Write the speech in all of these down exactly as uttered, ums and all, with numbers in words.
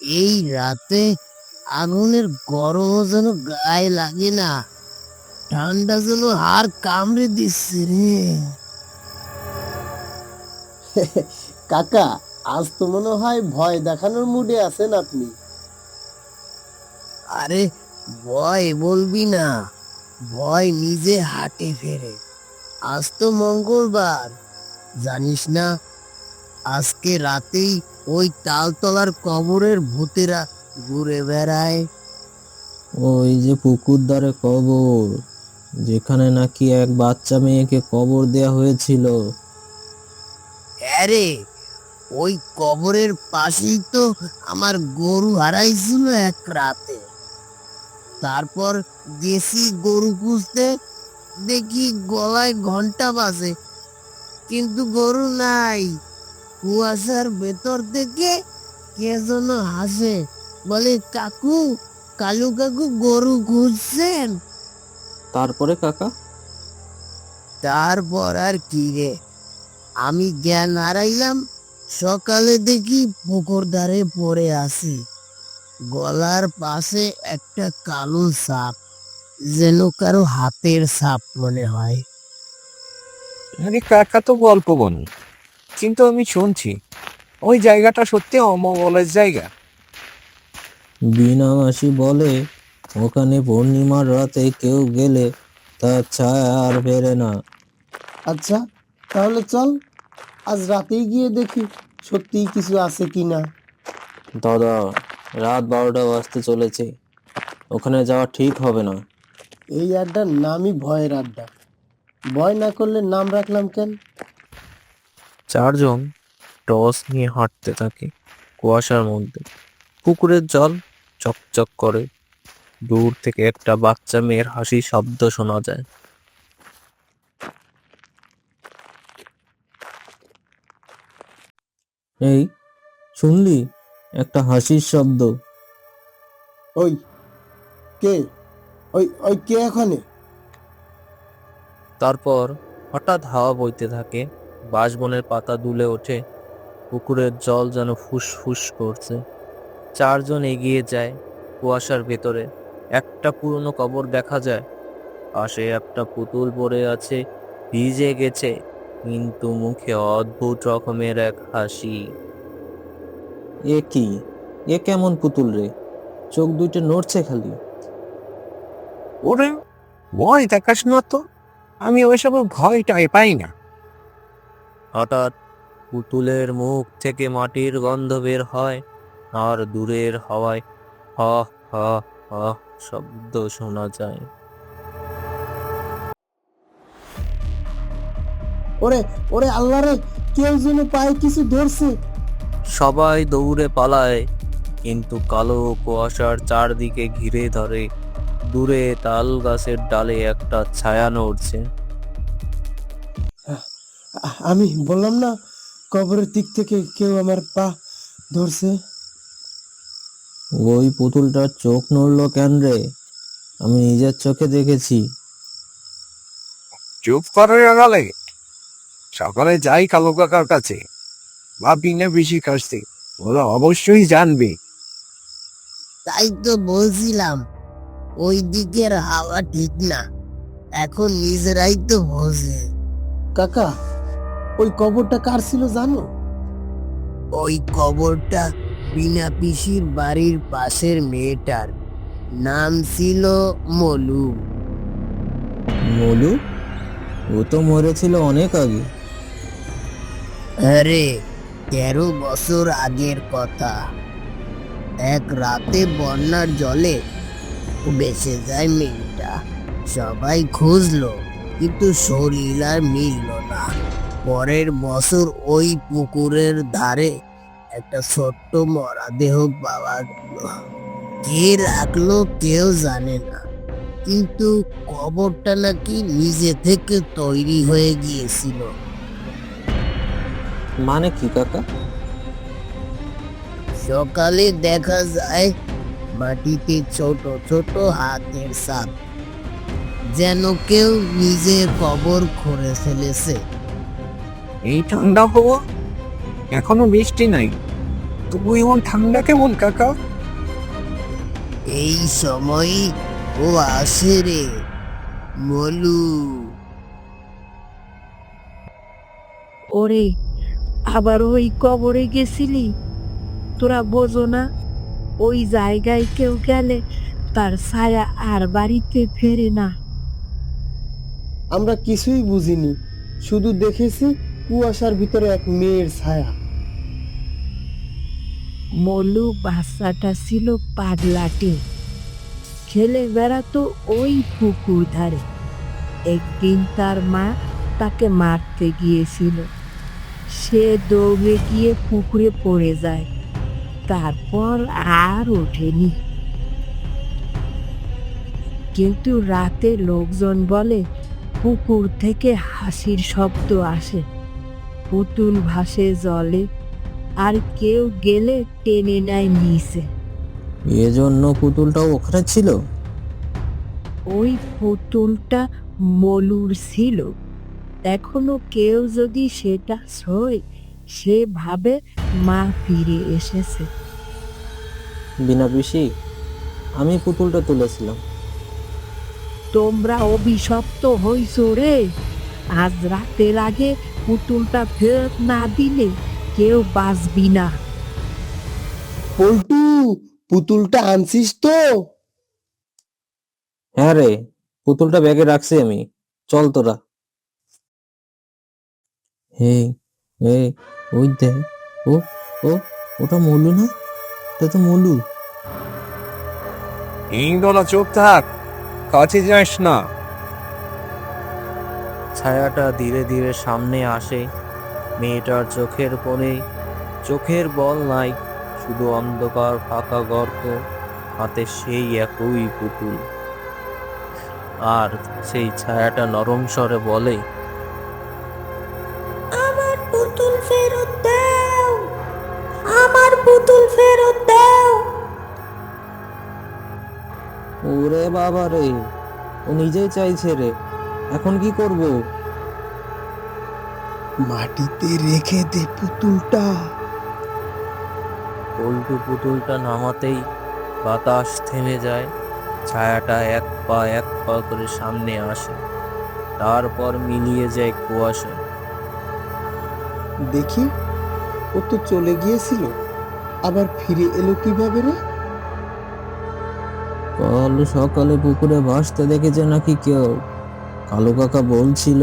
এই রাতে আগুনের গরম যেন গায়ে লাগে না, ঠান্ডা যেন হাড় কামড়ে দিচ্ছে রে। কাকা, আজ তো মনে হয় ভয় দেখানোর মুডে আছেন আপনি। আরে ভয় বলবি না, ভয় নিজে হাটে ফেরে। আজ তো মঙ্গলবার, জানিস না? আজকে রাতেই ওই তালতলার কবরের ভূতেরা ঘুরে বেড়ায়। ওই যে পুকুর ধারে কবর, যেখানে নাকি এক বাচ্চা মেয়েকে কবর দেয়া হয়েছিল। আরে ওই কবরের পাশেই তো আমার গরু হারাইছিল এক রাতে। তারপর গেছি গরু খুঁজতে, দেখি গলায় ঘন্টা বাজে, কিন্তু গরু নাই। কুয়াশার ভেতর থেকে কে যেন হাসে, বলে, কাকু, কালু কাকু গরু খুঁজছেন? তারপরে কাকা? তারপর আর কি রে, আমি জ্ঞান হারাইলাম। সকালে দেখি পুকুর ধারে পড়ে আছি, গলার পাশে একটা কালো সাপ, যেন কারো হাতের সাপ মনে হয়। আরে কাকা তো গল্প বনি, কিন্তু আমি শুনছি ওই জায়গাটা সত্যি অমঙ্গলের জায়গা। বিনা মাসি বলে ওখানে পূর্ণিমার রাতে কেউ গেলে তার ছায়া আর ফেরে না। আচ্ছা, তাহলে চল আজ রাতেই গিয়ে দেখি সত্যিই কিছু আছে কিনা। দাদা, রাত বারোটা বাজতে চলেছে, ওখানে যাওয়া ঠিক হবে না। এই আড্ডার নামই ভয়ের আড্ডা। ভয় না করলে নাম রাখলাম কেন? চারজন টস নিয়ে হাঁটতে থাকে কুয়াশার মধ্যে। পুকুরের জল চকচক করে, দূর থেকে একটা বাচ্চা মেয়ের হাসি শব্দ শোনা যায়। এই, শুনলি একটা হাসির শব্দ? ওই কে? ওই ওই কে এখানে? তারপর হঠাৎ হাওয়া বইতে থাকে, বাঁশবনের পাতা দুলে ওঠে, পুকুরের জল যেন ফুসফুস করছে। চারজন এগিয়ে যায়। কুয়াশার ভেতরে একটা পুরনো কবর দেখা যায়। পাশে একটা পুতুল পড়ে আছে, ভিজে গেছে, কিন্তু মুখে অদ্ভুত রকমের এক হাসি। এ কি? এ কেমন পুতুল রে? চোখ দুইটা নড়ছে খালি। ওরে, ভয় দেখাস না তো, আমি ওইসব ভয়টাই পাই না। হঠাৎ পুতুলের মুখ থেকে মাটির গন্ধ বের হয়, আর দূরের হাওয়ায় হ হ হ শব্দ শোনা যায়। ওরে ওরে আল্লাহ রে, কেউ যেন পায়ে কিছু ধরছে। সবাই দৌড়ে পালায়, কিন্তু কালো কুয়াশার চারদিকে ঘিরে ধরে। দূরে তাল গাছের ডালে একটা ছায়া নড়ছে। আ- আমি বললাম না, কবরের দিক থেকে কেউ আমার পা ধরছে। ওই পুতুলটার চোখ নড়লো কেন রে? আমি নিজের চোখে দেখেছি। চুপ করে গেলে সকালে যাই কালো কাকার কাছে, বা বিনা বেশি কাছে, ওরা অবশ্যই জানবে। তাই তো বলছিলাম, ওই দিকের হাওয়া ঠিক না, এখন নিজেরাই তো বোঝে। কাকা, ওই কবরটা কার ছিল জানো? ওই কবরটা বিনা পিসির বাড়ির পাশের মেয়েটার, নাম ছিল মলু। মলু? ও তো মরেছিল অনেক আগে। আরে তেরো বছর আগের কথা। এক রাতে বন্যার জলে ভেসে যায় মেয়েটা। সবাই খুঁজলো, কিন্তু শরীর আর মিলল না। পরের বছর ওই পুকুরের ধারে একটা ছোট্ট মরা দেহ পাওয়া গেল। কে রাখলো কেউ জানে না, কিন্তু কবরটা নাকি নিজে থেকে তৈরি হয়ে গিয়েছিল। মানে কি কাকা? সকালে দেখা যায় মাটিতে ছোট ছোট হাতের ছাপ, যেন কেউ নিজের কবর খুঁড়ে ফেলেছে। এই ঠান্ডা হওয়া, এখনো বৃষ্টি নাই, তবু এমন ঠান্ডা কেমন কাকা? এই সময় ও আসে রে মলু। ওরে, আবার ওই কবরে গেছিলি? তোরা বোঝো না, ওই জায়গায় কেউ গেলে তার ছায়া আর বাড়িতে ফেরে না। আমরা কিছুই বুঝিনি, শুধু দেখেছি কুয়াশার ভিতরে এক মেয়ের ছায়া। মলু বাচ্চাটা ছিল পাগলাটে, খেলে বেড়াতো ওই পুকুর ধারে। একদিন তার মা তাকে মারতে গিয়েছিল, সে দৌড়ে গিয়ে পুকুরে পড়ে যায়, তারপর আর ওঠেনি। কিন্তু রাতে লোকজন বলে পুকুর থেকে হাসির শব্দ আসে, পুতুল ভাসে জলে, আর কেউ গেলে টেনে নেয় নিচে। এজন্য পুতুলটাও ওখানে ছিল। ওই পুতুলটা মলুর ছিল। এখনো কেউ যদি সেটা ছোঁয়, সে ভাবে মা ফিরে এসেছে। বিনা পিসি, আমি পুতুলটা তুলেছিলাম। তোমরা অভিশপ্ত হইছ রে। আজ রাতের আগে পুতুলটা ফেরত না দিলে কেউ বাঁচবি না। পল্টু, পুতুলটা আনছিস তো? হ্যাঁ রে, পুতুলটা ব্যাগে রাখছি আমি। চল তোরা। হে, হে, ওই দেখ, ও ও ওটা মলু না? ওটা তো মলু। ইন্দোলা চুপ থাক, কাছে যাস না। ছায়াটা ধীরে ধীরে সামনে আসে। মেয়েটার চোখের কোণে চোখের বল নাই, শুধু অন্ধকার ফাঁকা গর্ত, হাতে সেই একই পুতুল। আর সেই ছায়াটা নরম স্বরে বলে, আমার পুতুল ফেরত দাও, আমার পুতুল ফেরত দাও। ওরে বাবা রে, ও নিজেই চাইছে রে, এখন কি করব? মাটিতে রেখে দে পুতুলটা। পল্টু পুতুলটা নামাতেই বাতাস থেমে যায়। ছায়াটা এক পা এক পা করে সামনে আসে, তারপর মিলিয়ে যায় কুয়াশা। দেখি, ও তো চলে গিয়েছিল, আবার ফিরে এলো কিভাবে রে? কাল সকালে পুকুরে ভাসতে দেখেছে নাকি কেউ, কালু কাকা বলছিল।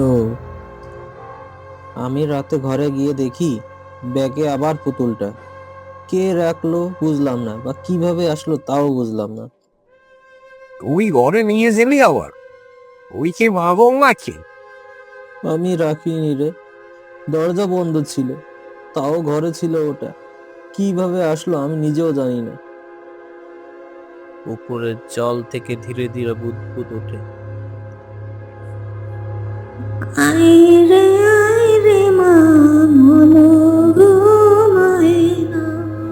আমি রাতে ঘরে গিয়ে দেখি ব্যাগে আবার পুতুলটা। কে রাখলো বুঝলাম না, বা কিভাবে আসলো তাও বুঝলাম না। তুই ঘরে নিয়ে গেলি আবার? ওই কে ভাবো নাকি? আমি রাখিনি রে, দরজা বন্ধ ছিল, তাও ঘরে ছিল ওটা। কিভাবে আসলো আমি নিজেও জানি না। পুকুরের জল থেকে ধীরে ধীরে বুদবুদ ওঠে। আইরে আইরে মা মনো গো মায়না।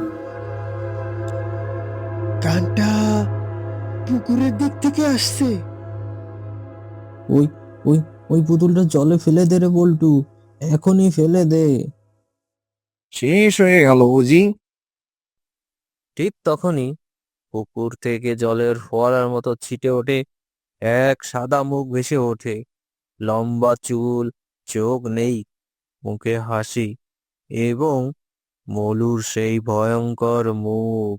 গানটা পুকুরের দিক থেকে আসছে। ওই ওই ওই পুতুলটা জলে ফেলে দে রে বল্টু, এখনই ফেলে দে। শেষ হয়ে গেল বুঝি? ঠিক তখনই পুকুর থেকে জলের ফোয়ারার মতো ছিটে ওঠে এক সাদা মুখ ভেসে ওঠে। লম্বা চুল, চোখ নেই, মুখে হাসি, এবং মলুর সেই ভয়ঙ্কর মুখ।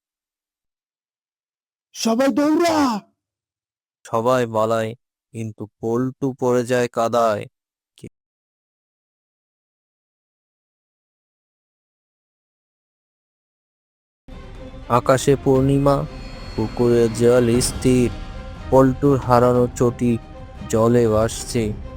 সবাই দৌড়া! সবাই পালায়, কিন্তু পল্টু পড়ে যায় কাদায়। আকাশে পূর্ণিমা, পুকুরের জল স্থির, পল্টুর হারানো চটি জলে ভাসছে।